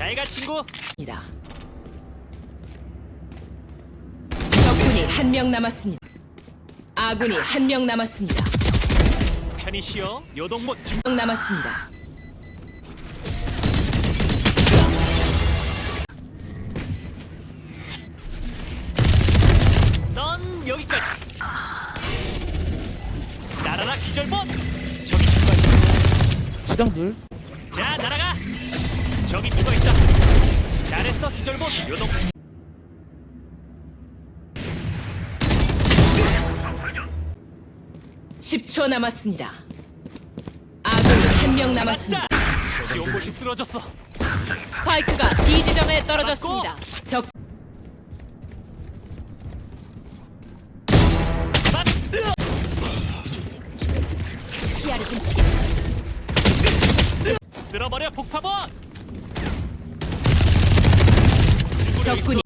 잘가 친구. 입니다. 적군이 한 명 남았습니다. 아군이 한 명 남았습니다. 편히 쉬어. 요동못 중. 명 남았습니다. 넌 여기까지. 날아라 기절봇. 저기 누가 있어. 시장들 자 날아가. 저기 누가 있다. 잘했어 기절봇. 요동. 십 초 남았습니다. 아군이 한 명 남았습니다. 지원봇이 쓰러졌어. 스파이크가 B 지점에 떨어졌습니다. 적 맞. 시야를 훔치겠어. 쓸어버려 폭파봇. 적군이